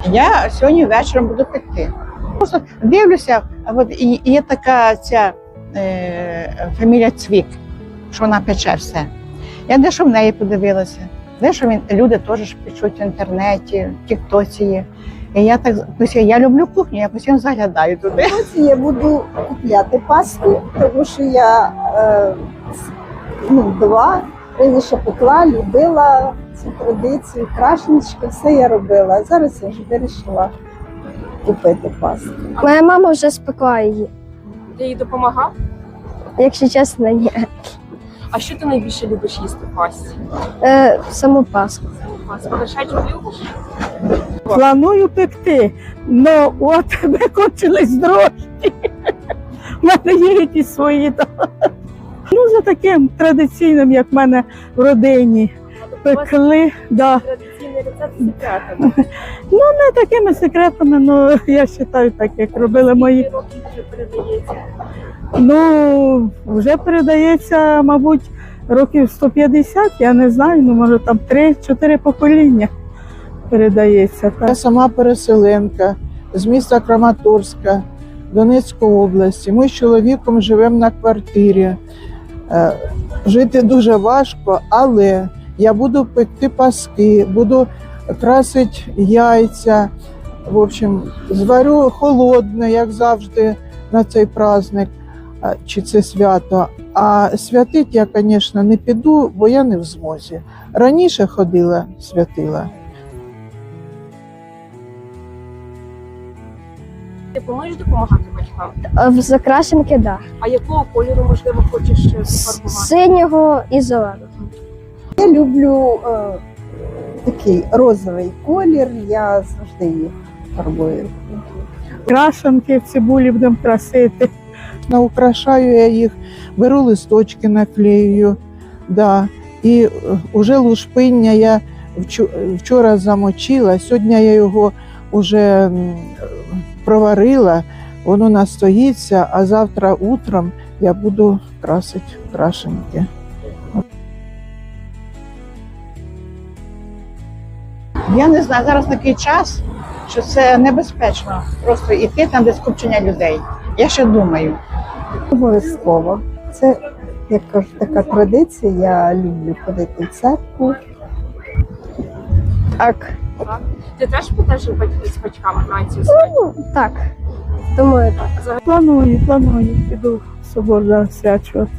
Я сьогодні вечором буду пекти. Просто дивлюся, от і є така ця фамілія Цвік, що вона пече все. Я дещо в неї подивилася, дещо люди теж печуть в інтернеті, в тіктоці є. І я так я люблю кухню, я постійно заглядаю туди. Я буду купляти паску, тому що я раніше пекла, любила цю традицію, крашенички, все я робила. Зараз я вже вирішила купити паску. Моя мама вже спекла її. Ти їй допомагав? Якщо чесно, ні. А що ти найбільше любиш їсти в пасті? Саму паску. Вершечок любиш? Планую пекти, але от викончились дрожжі. У мене є якісь свої. Ну, за таким традиційним, як в мене в родині, пекли. Да. Традиційний рецепт з секретами. Ну, не такими секретами, але я вважаю так, як робили мої. Скільки років вже передається? Ну, вже передається, мабуть, років 150, я не знаю, ну, може там 3-4 покоління передається. Я Так. сама переселенка з міста Краматорська, Донецької області. Ми з чоловіком живемо на квартирі. Жити дуже важко, але я буду пекти паски, буду красити яйця. В общем, зварю холодне, як завжди, на цей праздник чи це свято. А святити я, звісно, не піду, бо я не в змозі. Раніше ходила, святила. Ти плануєш допомагати батькам? В закрашенки, так. Да. А якого кольору, можливо, хочеш пофарбувати? Синього і зеленого. Я люблю такий розовий колір, я завжди їх фарбую. Крашанки в цибулі будемо красити. Украшаю я їх, беру листочки, наклею. Да. І вже лушпиння я вчора замочила, сьогодні я його вже проварила, воно настоїться, а завтра утром я буду красити крашенки. Я не знаю, зараз такий час, що це небезпечно просто йти там, де скупчення людей. Я ще думаю. Обов'язково. Це, як кажу, така традиція, я люблю ходити в церкву. Так. Ти теж підеш з батьками на цю свято? Ну, так. Думаю, так. Планую, піду в собор засвячувати.